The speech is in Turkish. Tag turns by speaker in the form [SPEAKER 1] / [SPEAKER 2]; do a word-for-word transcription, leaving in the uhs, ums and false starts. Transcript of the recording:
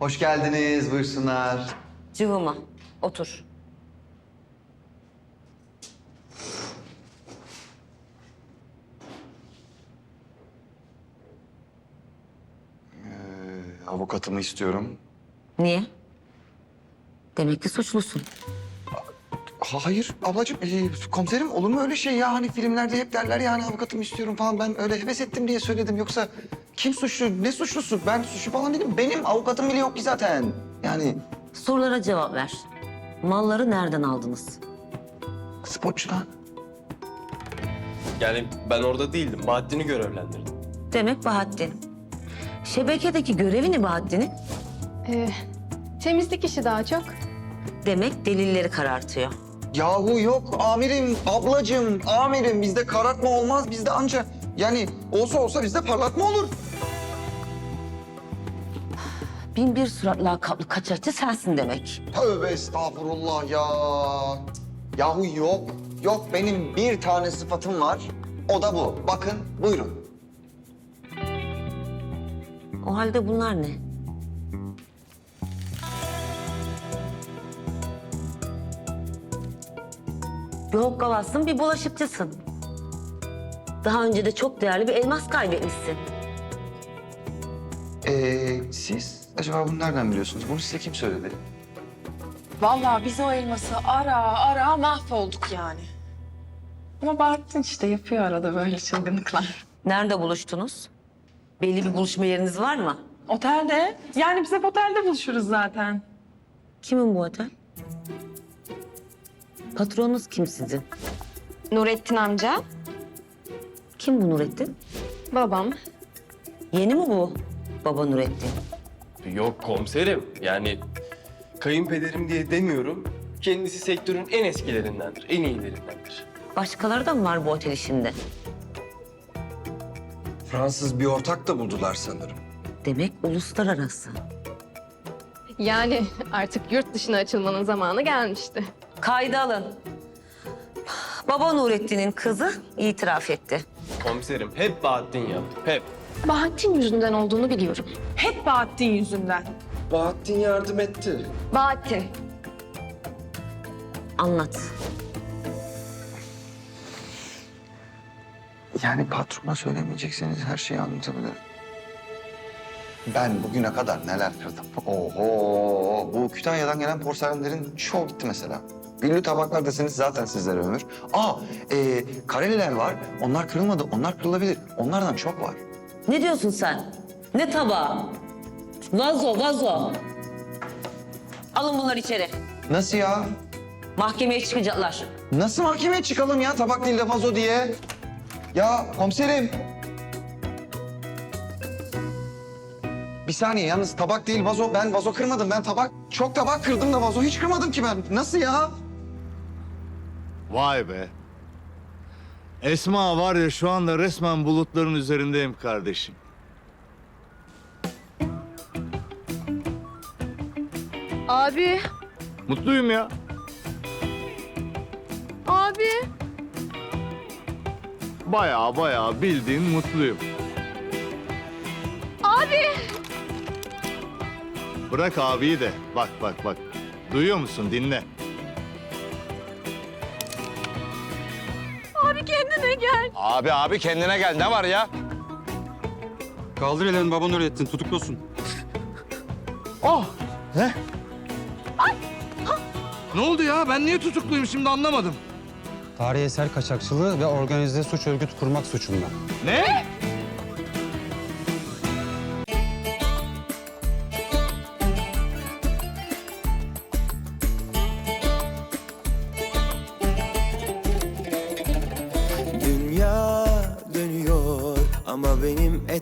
[SPEAKER 1] Hoş geldiniz, buyursunlar.
[SPEAKER 2] Cıvıma, otur.
[SPEAKER 1] Avukatımı istiyorum.
[SPEAKER 2] Niye? Demek ki suçlusun.
[SPEAKER 1] Ha, hayır ablacığım, e, komiserim olur mu öyle şey ya? Hani filmlerde hep derler ya hani avukatımı istiyorum falan. Ben öyle heves ettim diye söyledim. Yoksa kim suçlu, ne suçlusu? Ben suçlu falan değilim. Benim avukatım bile yok ki zaten. Yani
[SPEAKER 2] Sorulara cevap ver. Malları nereden aldınız?
[SPEAKER 1] sporcudan.
[SPEAKER 3] Yani ben orada değildim. Bahattin'i görevlendirdim.
[SPEAKER 2] Demek Bahattin. Şebekedeki görevi ne Bahattin'in?
[SPEAKER 4] Ee, temizlik işi daha çok.
[SPEAKER 2] Demek delilleri karartıyor.
[SPEAKER 1] Yahu yok amirim, ablacığım, amirim. Bizde karartma olmaz, bizde anca... Yani olsa olsa bizde parlatma olur.
[SPEAKER 2] Bin bir surat lakaplı kaçakçı sensin demek.
[SPEAKER 1] Tövbe estağfurullah ya. Yahu yok, yok benim bir tane sıfatım var. O da bu. Bakın, buyurun.
[SPEAKER 2] O halde bunlar ne? Bir hokkabazsın, bir bulaşıkçısın. Daha önce de çok değerli bir elmas kaybetmişsin.
[SPEAKER 1] Ee, siz acaba bunu nereden biliyorsunuz? Bunu size kim söyledi?
[SPEAKER 5] Vallahi biz o elması ara ara mahvolduk yani. Ama Bahattin işte yapıyor arada böyle çılgınlıklar.
[SPEAKER 2] Nerede buluştunuz? Belli bir buluşma yeriniz var mı?
[SPEAKER 5] Otelde. Yani biz hep otelde buluşuruz zaten.
[SPEAKER 2] Kimin bu otel? Patronunuz kim sizin?
[SPEAKER 4] Nurettin amca,
[SPEAKER 2] Kim bu Nurettin?
[SPEAKER 4] babam.
[SPEAKER 2] Yeni mi bu baba Nurettin?
[SPEAKER 3] Yok komiserim. Yani kayınpederim diye demiyorum. Kendisi sektörün en eskilerindendir, en iyilerindendir.
[SPEAKER 2] Başkaları da mı var bu otel işinde?
[SPEAKER 6] Fransız bir ortak da buldular sanırım.
[SPEAKER 2] Demek uluslararası.
[SPEAKER 4] Yani artık yurt dışına açılmanın zamanı gelmişti.
[SPEAKER 2] Kayda alın. Baba Nurettin'in kızı itiraf etti.
[SPEAKER 3] Komiserim hep Bahattin yaptı, hep.
[SPEAKER 4] Bahattin yüzünden olduğunu biliyorum.
[SPEAKER 5] Hep Bahattin yüzünden.
[SPEAKER 6] Bahattin yardım etti.
[SPEAKER 4] Bahattin.
[SPEAKER 2] Anlat.
[SPEAKER 1] Yani patrona söylemeyecekseniz her şeyi anlatabilirim. Ben bugüne kadar neler kırdım. Oho! Bu Kütahya'dan gelen porselenlerin çoğu gitti mesela. Güllü tabaklar deseniz zaten sizlere ömür. Aa, e, kareliler var. Onlar kırılmadı. Onlar kırılabilir. Onlardan çok var.
[SPEAKER 2] Ne diyorsun sen? Ne tabağı? Vazo, vazo. Alın bunları içeri.
[SPEAKER 1] Nasıl ya?
[SPEAKER 2] Mahkemeye çıkacaklar.
[SPEAKER 1] Nasıl mahkemeye çıkalım ya tabak değil de vazo diye? Ya komiserim. Bir saniye yalnız tabak değil vazo. Ben vazo kırmadım. Ben tabak çok tabak kırdım da vazo hiç kırmadım ki ben. Nasıl ya?
[SPEAKER 7] Vay be. Esma var ya şu anda resmen bulutların üzerindeyim kardeşim.
[SPEAKER 4] Abi,
[SPEAKER 7] Mutluyum ya.
[SPEAKER 4] abi.
[SPEAKER 7] Bayağı bayağı bildiğin mutluyum.
[SPEAKER 4] Abi.
[SPEAKER 7] Bırak abiyi de. Bak bak bak. Duyuyor musun? Dinle.
[SPEAKER 4] Abi kendine gel.
[SPEAKER 8] Abi abi kendine gel. Ne var ya?
[SPEAKER 9] Kaldır ellerini baba Nurettin, tutuklusun.
[SPEAKER 7] Oh! Ne? Ne oldu ya? Ben niye tutukluyum şimdi anlamadım.
[SPEAKER 9] Tarihi eser kaçakçılığı ve organize suç örgütü kurmak suçundan.
[SPEAKER 7] Ne?
[SPEAKER 10] Dünya dönüyor ama benim